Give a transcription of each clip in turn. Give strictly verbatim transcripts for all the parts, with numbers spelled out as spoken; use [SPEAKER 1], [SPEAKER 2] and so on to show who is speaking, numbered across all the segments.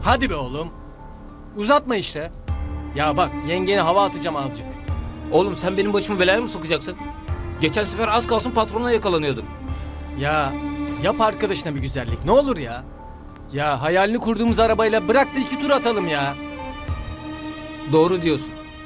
[SPEAKER 1] Hadi be oğlum. Uzatma işte. Ya bak yengene hava atacağım azıcık.
[SPEAKER 2] Oğlum sen benim başımı belaya mı sokacaksın? Geçen sefer az kalsın patrona yakalanıyorduk.
[SPEAKER 1] Ya yap arkadaşına bir güzellik ne olur ya. Ya hayalini kurduğumuz arabayla bırak da iki tur atalım ya.
[SPEAKER 2] Doğru diyorsun.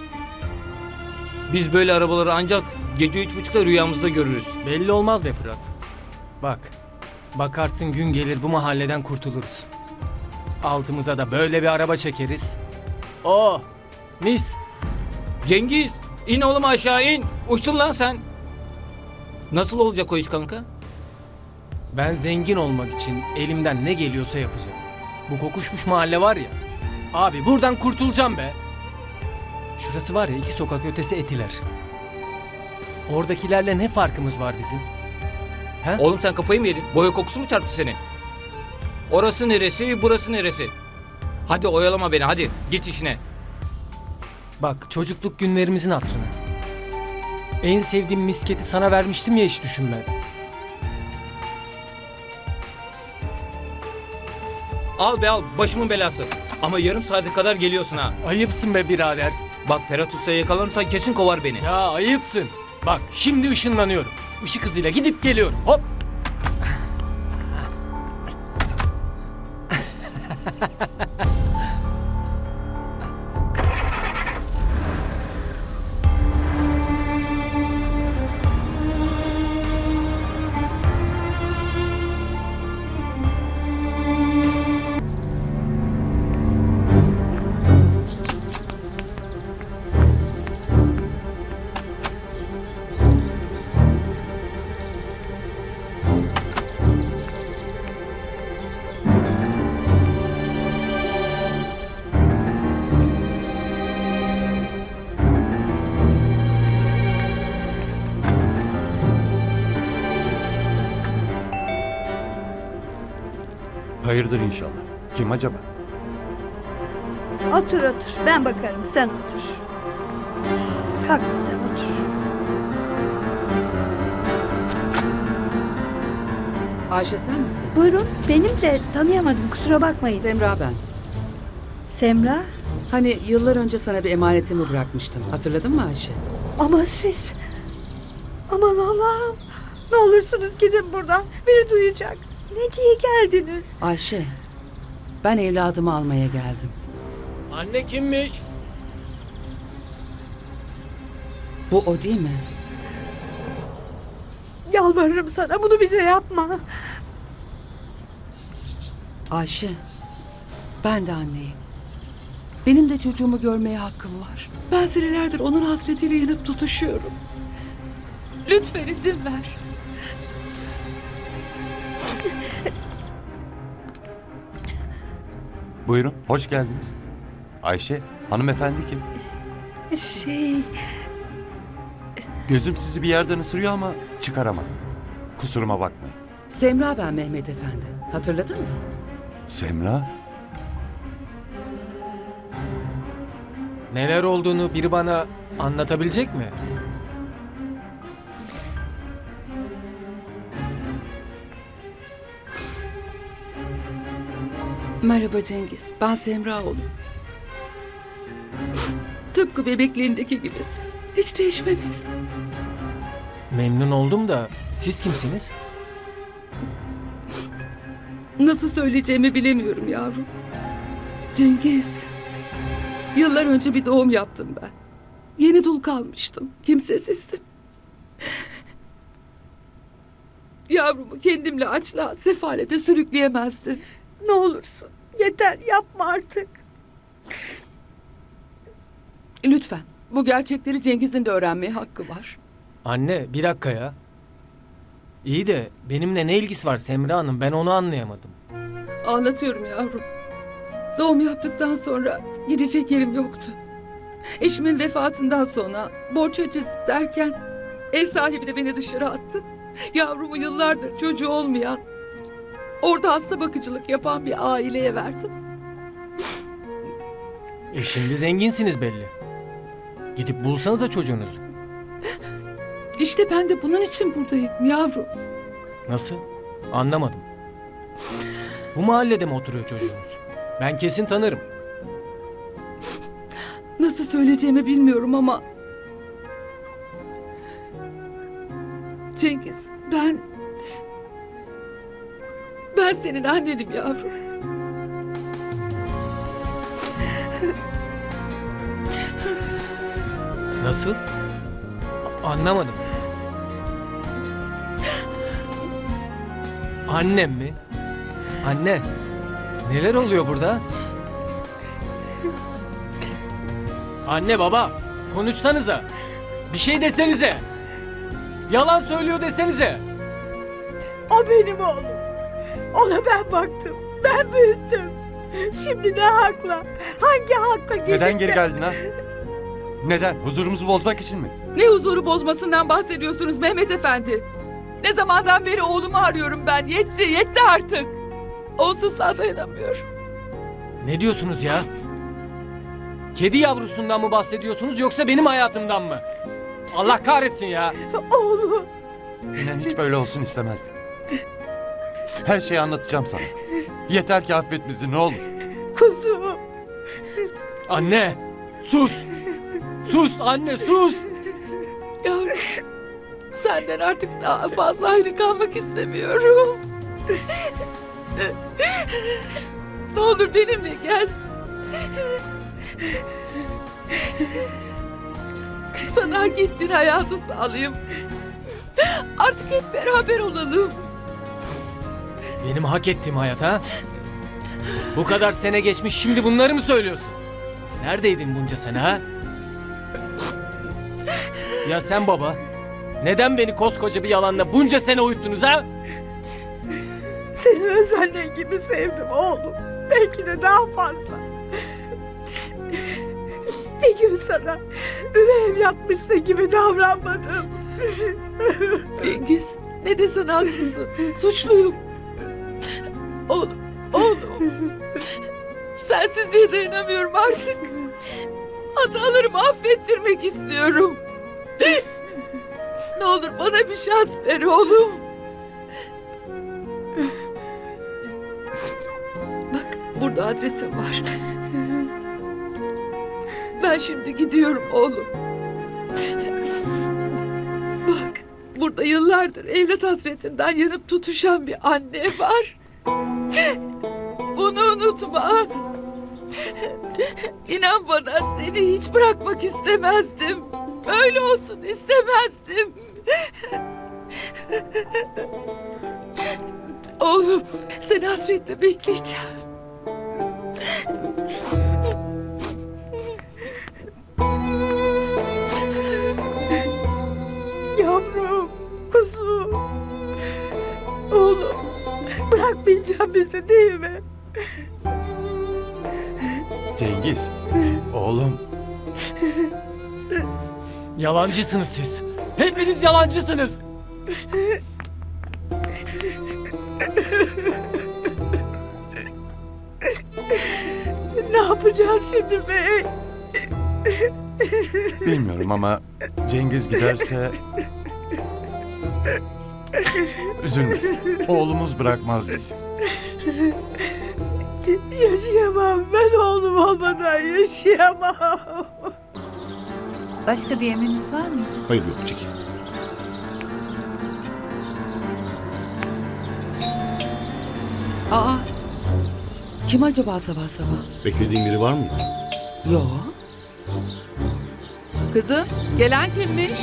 [SPEAKER 2] Biz böyle arabaları ancak gece üç buçukta rüyamızda görürüz.
[SPEAKER 1] Belli olmaz be Fırat. Bak. Bakarsın gün gelir bu mahalleden kurtuluruz. Altımıza da böyle bir araba çekeriz. Oh mis.
[SPEAKER 2] Cengiz, in oğlum aşağı in. Uçtun lan sen. Nasıl olacak o iş kanka?
[SPEAKER 1] Ben zengin olmak için elimden ne geliyorsa yapacağım. Bu kokuşmuş mahalle var ya. Abi buradan kurtulacağım be. Şurası var ya iki sokak ötesi Etiler. Oradakilerle ne farkımız var bizim? He?
[SPEAKER 2] Oğlum sen kafayı mı yedin? Boya kokusu mu çarptı seni? Orası neresi, burası neresi? Hadi oyalama beni, hadi git işine.
[SPEAKER 1] Bak çocukluk günlerimizin hatırına. En sevdiğim misketi sana vermiştim ya hiç düşünmeden.
[SPEAKER 2] Al be al, başımın belası. Ama yarım saate kadar geliyorsun ha.
[SPEAKER 1] Ayıpsın be birader.
[SPEAKER 2] Bak Ferhat Usta'ya yakalanırsan kesin kovar beni.
[SPEAKER 1] Ya ayıpsın. Bak şimdi ışınlanıyorum. Işık hızıyla gidip geliyorum. Hop.
[SPEAKER 3] Hayırdır inşallah. Kim acaba?
[SPEAKER 4] Otur otur. Ben bakarım. Sen otur. Kalkma sen otur.
[SPEAKER 5] Ayşe sen misin?
[SPEAKER 4] Buyurun. Benim de tanıyamadım. Kusura bakmayın.
[SPEAKER 5] Semra ben.
[SPEAKER 4] Semra.
[SPEAKER 5] Hani yıllar önce sana bir emanetimi bırakmıştım. Hatırladın mı Ayşe?
[SPEAKER 4] Ama siz... Aman Allah'ım. Ne olursunuz gidin buradan. Biri duyacak. Ne diye geldiniz?
[SPEAKER 5] Ayşe, ben evladımı almaya geldim.
[SPEAKER 1] Anne kimmiş?
[SPEAKER 5] Bu o değil mi?
[SPEAKER 4] Yalvarırım sana bunu bize yapma.
[SPEAKER 5] Ayşe, ben de anneyim. Benim de çocuğumu görmeye hakkım var. Ben senelerdir onun hasretiyle yanıp tutuşuyorum. Lütfen izin ver.
[SPEAKER 3] Buyurun, hoş geldiniz. Ayşe, hanımefendi kim?
[SPEAKER 4] Şey...
[SPEAKER 3] Gözüm sizi bir yerden ısırıyor ama çıkaramadım. Kusuruma bakmayın.
[SPEAKER 5] Semra ben Mehmet Efendi. Hatırladın mı?
[SPEAKER 3] Semra?
[SPEAKER 1] Neler olduğunu biri bana anlatabilecek mi?
[SPEAKER 5] Merhaba Cengiz. Ben Semra oğlum. Tıpkı bebekliğindeki gibisin. Hiç değişmemişsin.
[SPEAKER 1] Memnun oldum da siz kimsiniz?
[SPEAKER 5] Nasıl söyleyeceğimi bilemiyorum yavrum. Cengiz. Yıllar önce bir doğum yaptım ben. Yeni dul kalmıştım. Kimsesizdim. Yavrumu kendimle açlığa, sefalete sürükleyemezdim.
[SPEAKER 4] Ne olursun. Yeter yapma artık.
[SPEAKER 5] Lütfen. Bu gerçekleri Cengiz'in de öğrenmeye hakkı var.
[SPEAKER 1] Anne bir dakika ya. İyi de benimle ne ilgisi var Semra Hanım ben onu anlayamadım.
[SPEAKER 5] Anlatıyorum yavrum. Doğum yaptıktan sonra gidecek yerim yoktu. Eşimin vefatından sonra borç aciz derken ev sahibi de beni dışarı attı. Yavrumu yıllardır çocuğu olmayan, orada hasta bakıcılık yapan bir aileye verdim.
[SPEAKER 1] E şimdi zenginsiniz belli. Gidip bulsanıza çocuğunuzu.
[SPEAKER 5] İşte ben de bunun için buradayım yavrum.
[SPEAKER 1] Nasıl? Anlamadım. Bu mahallede mi oturuyor çocuğunuz? Ben kesin tanırım.
[SPEAKER 5] Nasıl söyleyeceğimi bilmiyorum ama... Cengiz, ben... Ben senin annenim yavrum.
[SPEAKER 1] Nasıl? A- anlamadım. Annem mi? Anne, neler oluyor burada? Anne baba, konuşsanıza. Bir şey desenize. Yalan söylüyor desenize.
[SPEAKER 4] O benim oğlum. Ona ben baktım. Ben büyüttüm. Şimdi ne hakla? Hangi hakla gelip
[SPEAKER 3] Neden
[SPEAKER 4] de-
[SPEAKER 3] geri geldin ha? Neden? Huzurumuzu bozmak için mi?
[SPEAKER 5] Ne huzuru bozmasından bahsediyorsunuz Mehmet Efendi? Ne zamandan beri oğlumu arıyorum ben. Yetti, yetti artık. Onsuzluğa dayanamıyorum.
[SPEAKER 1] Ne diyorsunuz ya? Kedi yavrusundan mı bahsediyorsunuz yoksa benim hayatımdan mı? Allah kahretsin ya.
[SPEAKER 4] Oğlum.
[SPEAKER 3] İnan hiç böyle olsun istemezdim. Her şeyi anlatacağım sana. Yeter ki affet bizi ne olur.
[SPEAKER 4] Kuzum.
[SPEAKER 1] Anne, sus. Sus anne, sus.
[SPEAKER 5] Yavrum, senden artık daha fazla ayrı kalmak istemiyorum. Ne olur benimle gel. Sana hak ettiğin hayatı sağlayayım. Artık hep beraber olalım.
[SPEAKER 1] Benim hak ettiğim hayat ha? Bu kadar sene geçmiş şimdi bunları mı söylüyorsun? Neredeydin bunca sene ha? Ya sen baba, neden beni koskoca bir yalanla bunca sene uyuttunuz ha?
[SPEAKER 4] Seni öz annen gibi sevdim oğlum. Belki de daha fazla. Bir gün sana üvey evlatmışsın gibi davranmadım.
[SPEAKER 5] Cengiz, ne desen haklısın. Suçluyum. Oğlum, oğlum. Sensizliğe dayanamıyorum artık. Hatalarımı affettirmek istiyorum. Ne olur bana bir şans ver oğlum. Bak, burada adresim var. Ben şimdi gidiyorum oğlum. Bak, burada yıllardır evlat hasretinden yanıp tutuşan bir anne var. Bunu unutma. İnan bana seni hiç bırakmak istemezdim. Böyle olsun istemezdim. Oğlum, seni hasretle bekleyeceğim.
[SPEAKER 4] Yavrum, kuzum. Oğlum, bırakmayacağım bizi değil mi?
[SPEAKER 3] Cengiz. Oğlum.
[SPEAKER 1] Yalancısınız siz. Hepiniz yalancısınız.
[SPEAKER 4] Ne yapacağız şimdi be?
[SPEAKER 3] Bilmiyorum ama Cengiz giderse... Üzülmesin. Oğlumuz bırakmaz bizi.
[SPEAKER 4] Yaşayamam. Ben oğlum olmadan yaşayamam.
[SPEAKER 6] Başka bir emriniz var mı?
[SPEAKER 7] Hayır yok çekil.
[SPEAKER 5] Aa, kim acaba sabah sabah?
[SPEAKER 7] Beklediğin biri var mı?
[SPEAKER 5] Yo. Kızım, gelen kimmiş?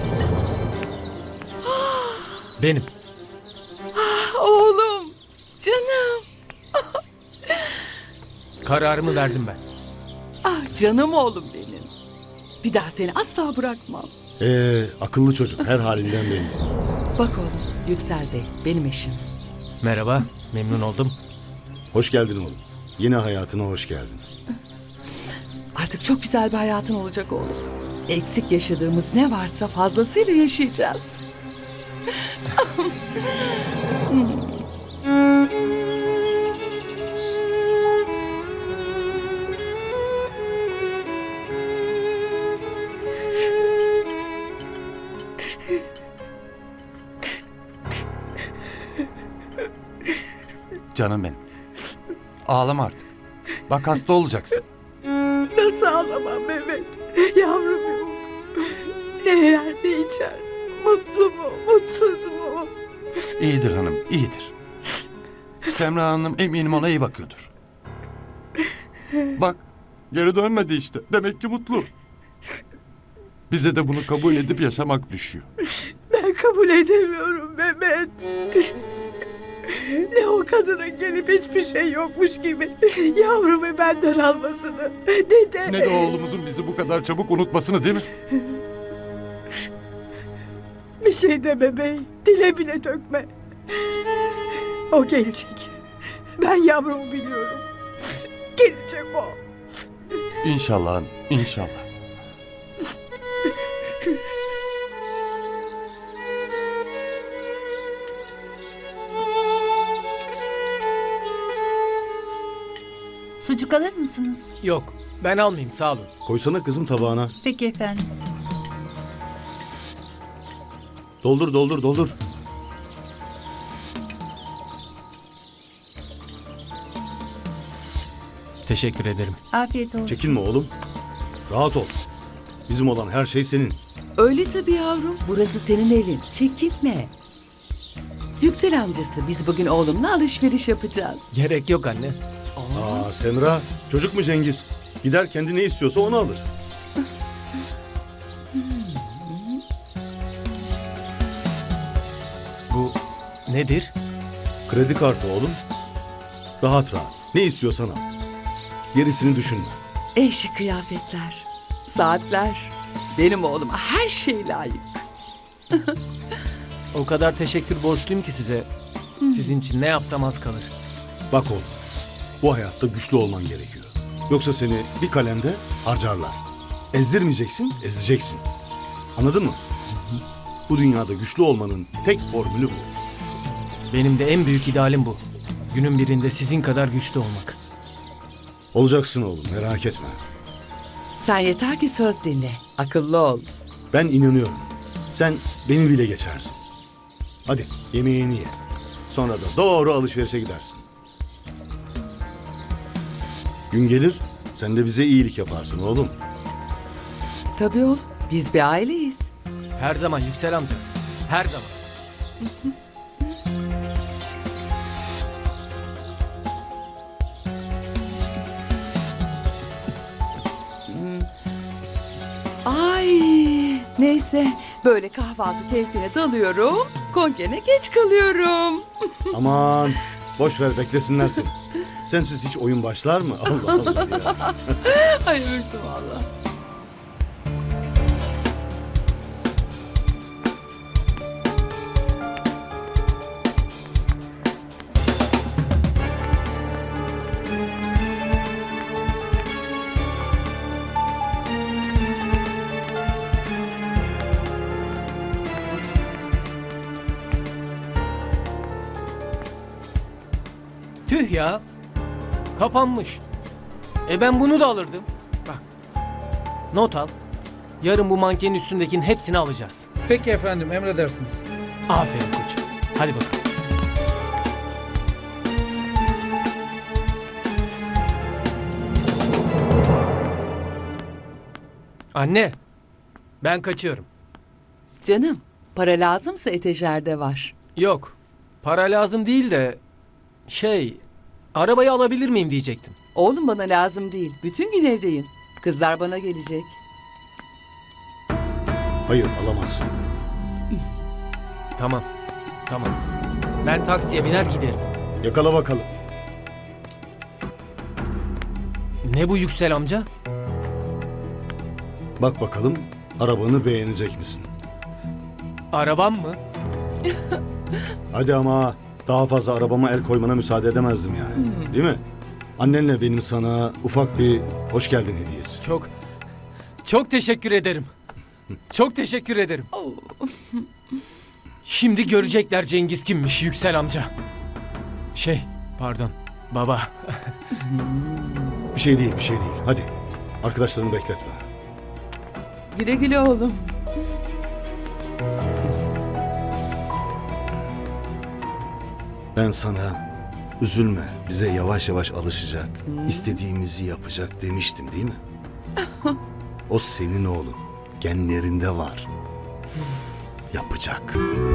[SPEAKER 1] Benim.
[SPEAKER 5] Oğlum, canım.
[SPEAKER 1] Kararımı verdim ben.
[SPEAKER 5] Ah canım oğlum benim. Bir daha seni asla bırakmam.
[SPEAKER 7] Ee, akıllı çocuk her halinden belli.
[SPEAKER 5] Bak oğlum, Yüksel Bey benim eşim.
[SPEAKER 1] Merhaba, memnun oldum.
[SPEAKER 7] Hoş geldin oğlum. Yine hayatına hoş geldin.
[SPEAKER 5] Artık çok güzel bir hayatın olacak oğlum. Eksik yaşadığımız ne varsa fazlasıyla yaşayacağız.
[SPEAKER 3] Canım benim. Ağlama artık. Bak hasta olacaksın.
[SPEAKER 4] Nasıl ağlamam Mehmet? Yavrum yok. Ne yer ne içer? Mutlu mu, mutsuz mu?
[SPEAKER 3] İyidir hanım, iyidir. Semra Hanım eminim ona iyi bakıyordur. Bak, geri dönmedi işte. Demek ki mutlu. Bize de bunu kabul edip yaşamak düşüyor.
[SPEAKER 4] Ben kabul edemiyorum Mehmet. Ne o kadının gelip hiçbir şey yokmuş gibi yavrumu benden almasını, ne de...
[SPEAKER 3] Ne de oğlumuzun bizi bu kadar çabuk unutmasını, değil mi?
[SPEAKER 4] Bir şey deme bey, dile bile dökme. O gelecek. Ben yavrumu biliyorum. Gelecek o.
[SPEAKER 3] İnşallah hanım, inşallah.
[SPEAKER 6] Sucuk alır mısınız?
[SPEAKER 1] Yok, ben almayayım sağ olun.
[SPEAKER 7] Koysana kızım tabağına.
[SPEAKER 6] Peki efendim.
[SPEAKER 7] Doldur doldur doldur.
[SPEAKER 1] Teşekkür ederim.
[SPEAKER 6] Afiyet olsun.
[SPEAKER 7] Çekinme oğlum. Rahat ol. Bizim olan her şey senin.
[SPEAKER 5] Öyle tabii yavrum. Burası senin evin. Çekinme. Yüksel amcası, biz bugün oğlumla alışveriş yapacağız.
[SPEAKER 1] Gerek yok anne.
[SPEAKER 7] Aa Semra, çocuk mu Cengiz? Gider kendi ne istiyorsa onu alır.
[SPEAKER 1] Bu nedir?
[SPEAKER 7] Kredi kartı oğlum. Rahat rahat. Ne istiyorsan al. Gerisini düşünme.
[SPEAKER 5] Eşi kıyafetler, saatler. Benim oğluma her şey layık.
[SPEAKER 1] O kadar teşekkür borçluyum ki size. Sizin için ne yapsam az kalır.
[SPEAKER 7] Bak oğlum, bu hayatta güçlü olman gerekiyor. Yoksa seni bir kalemde harcarlar. Ezdirmeyeceksin, ezeceksin. Anladın mı? Bu dünyada güçlü olmanın tek formülü bu.
[SPEAKER 1] Benim de en büyük idealim bu. Günün birinde sizin kadar güçlü olmak.
[SPEAKER 7] Olacaksın oğlum, merak etme.
[SPEAKER 5] Sen yeter ki söz dinle, akıllı ol.
[SPEAKER 7] Ben inanıyorum. Sen beni bile geçersin. Hadi yemeğini ye. Sonra da doğru alışverişe gidersin. Gün gelir, sen de bize iyilik yaparsın oğlum.
[SPEAKER 5] Tabii oğlum, biz bir aileyiz.
[SPEAKER 1] Her zaman Yüksel amca. Her zaman.
[SPEAKER 5] Ay, neyse, böyle kahvaltı keyfine dalıyorum, konkene geç kalıyorum.
[SPEAKER 7] Aman, boş ver beklesinler seni. Sensiz hiç oyun başlar mı? Allah Allah ya.
[SPEAKER 5] Ay ölürsün valla.
[SPEAKER 1] Tüh ya. Kapanmış. E ben bunu da alırdım. Bak. Not al. Yarın bu mankenin üstündekinin hepsini alacağız.
[SPEAKER 8] Peki efendim, emredersiniz.
[SPEAKER 1] Aferin koçum. Hadi bakalım. Anne. Ben kaçıyorum.
[SPEAKER 5] Canım, para lazımsa etejerde var.
[SPEAKER 1] Yok. Para lazım değil de şey, arabayı alabilir miyim diyecektim.
[SPEAKER 5] Oğlum bana lazım değil, bütün gün evdeyim. Kızlar bana gelecek.
[SPEAKER 7] Hayır, alamazsın.
[SPEAKER 1] Tamam. Tamam. Ben taksiye biner giderim.
[SPEAKER 7] Yakala bakalım.
[SPEAKER 1] Ne bu Yüksel amca?
[SPEAKER 7] Bak bakalım, arabanı beğenecek misin?
[SPEAKER 1] Arabam mı?
[SPEAKER 7] Hadi ama daha fazla arabama el koymana müsaade edemezdim yani. Değil mi? Annenle benim sana ufak bir hoş geldin hediyesi.
[SPEAKER 1] Çok, çok teşekkür ederim. Çok teşekkür ederim. Şimdi görecekler Cengiz kimmiş Yüksel amca. Şey, pardon, baba.
[SPEAKER 7] Bir şey değil, bir şey değil. Hadi, arkadaşlarını bekletme.
[SPEAKER 5] Güle güle oğlum.
[SPEAKER 7] Ben sana Üzülme, bize yavaş yavaş alışacak, istediğimizi yapacak demiştim değil mi? O senin oğlun, genlerinde var. Yapacak.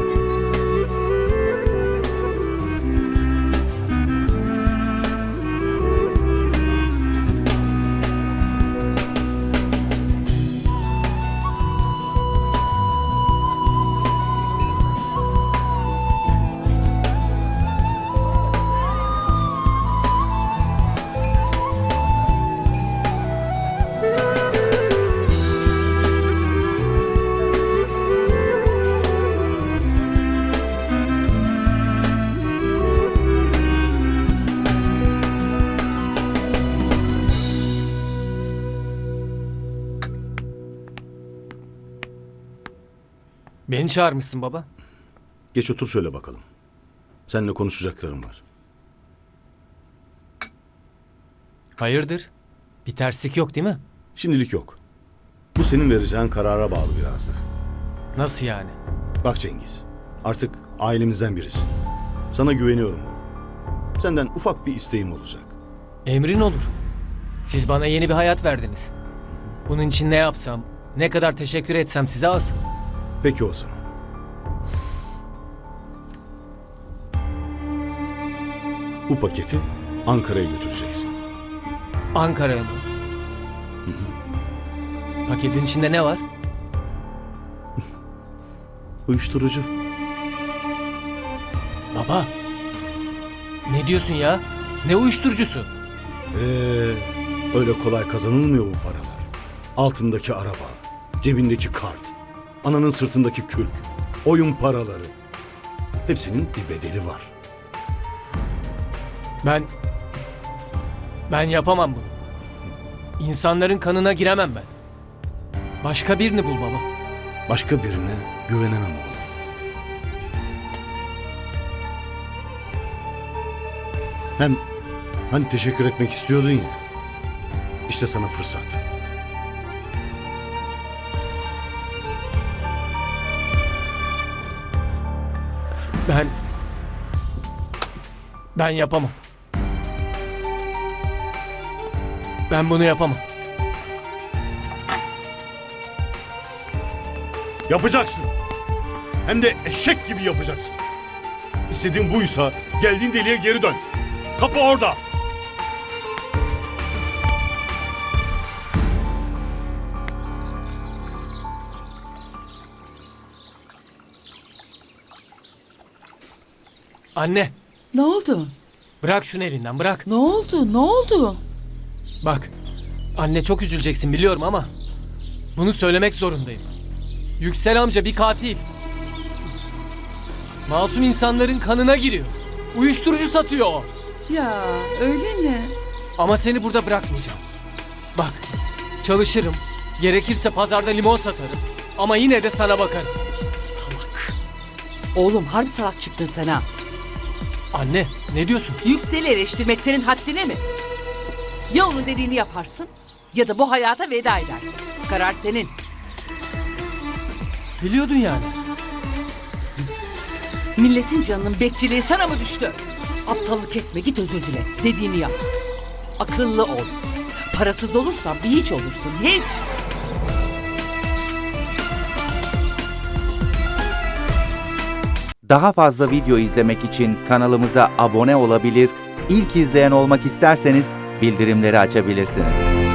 [SPEAKER 1] Beni çağırmışsın baba.
[SPEAKER 7] Geç otur şöyle bakalım. Seninle konuşacaklarım var.
[SPEAKER 1] Hayırdır? Bir terslik yok değil mi?
[SPEAKER 7] Şimdilik yok. Bu senin vereceğin karara bağlı biraz da.
[SPEAKER 1] Nasıl yani?
[SPEAKER 7] Bak Cengiz, artık ailemizden birisin. Sana güveniyorum oğlum. Senden ufak bir isteğim olacak.
[SPEAKER 1] Emrin olur. Siz bana yeni bir hayat verdiniz. Bunun için ne yapsam, ne kadar teşekkür etsem size az.
[SPEAKER 7] Peki o zaman. Bu paketi Ankara'ya götüreceksin.
[SPEAKER 1] Ankara'ya mı? Paketin içinde ne var?
[SPEAKER 7] Uyuşturucu.
[SPEAKER 1] Baba. Ne diyorsun ya? Ne uyuşturucusu?
[SPEAKER 7] Ee, öyle kolay kazanılmıyor bu paralar. Altındaki araba, cebindeki kart, ananın sırtındaki kürk, oyun paraları. Hepsinin bir bedeli var.
[SPEAKER 1] Ben... Ben yapamam bunu. İnsanların kanına giremem ben. Başka birini bul baba.
[SPEAKER 7] Başka birine güvenemem oğlum. Hem hani teşekkür etmek istiyordun ya. İşte sana fırsat.
[SPEAKER 1] Ben... Ben yapamam. Ben bunu yapamam.
[SPEAKER 7] Yapacaksın. Hem de eşek gibi yapacaksın. İstediğin buysa geldiğin deliğe geri dön. Kapı orada.
[SPEAKER 1] Anne,
[SPEAKER 5] Ne oldu?
[SPEAKER 1] bırak şunu elinden, bırak.
[SPEAKER 5] Ne oldu? Ne oldu?
[SPEAKER 1] Bak, anne çok üzüleceksin biliyorum ama bunu söylemek zorundayım. Yüksel amca bir katil. Masum insanların kanına giriyor. Uyuşturucu satıyor o.
[SPEAKER 5] Ya öyle mi?
[SPEAKER 1] Ama seni burada bırakmayacağım. Bak, çalışırım. Gerekirse pazarda limon satarım. Ama yine de sana bakarım.
[SPEAKER 9] Oğlum harbi salak çıktın sen ha.
[SPEAKER 1] Anne, ne diyorsun?
[SPEAKER 9] Yüksel'i eleştirmek senin haddine mi? Ya onun dediğini yaparsın ya da bu hayata veda edersin. Karar senin.
[SPEAKER 1] Biliyordun yani.
[SPEAKER 9] Milletin canının bekçiliği sana mı düştü? Aptallık etme, git özür dile. Dediğini yap. Akıllı ol. Parasız olursan bir hiç olursun, hiç.
[SPEAKER 10] Daha fazla video izlemek için kanalımıza abone olabilir, ilk izleyen olmak isterseniz bildirimleri açabilirsiniz.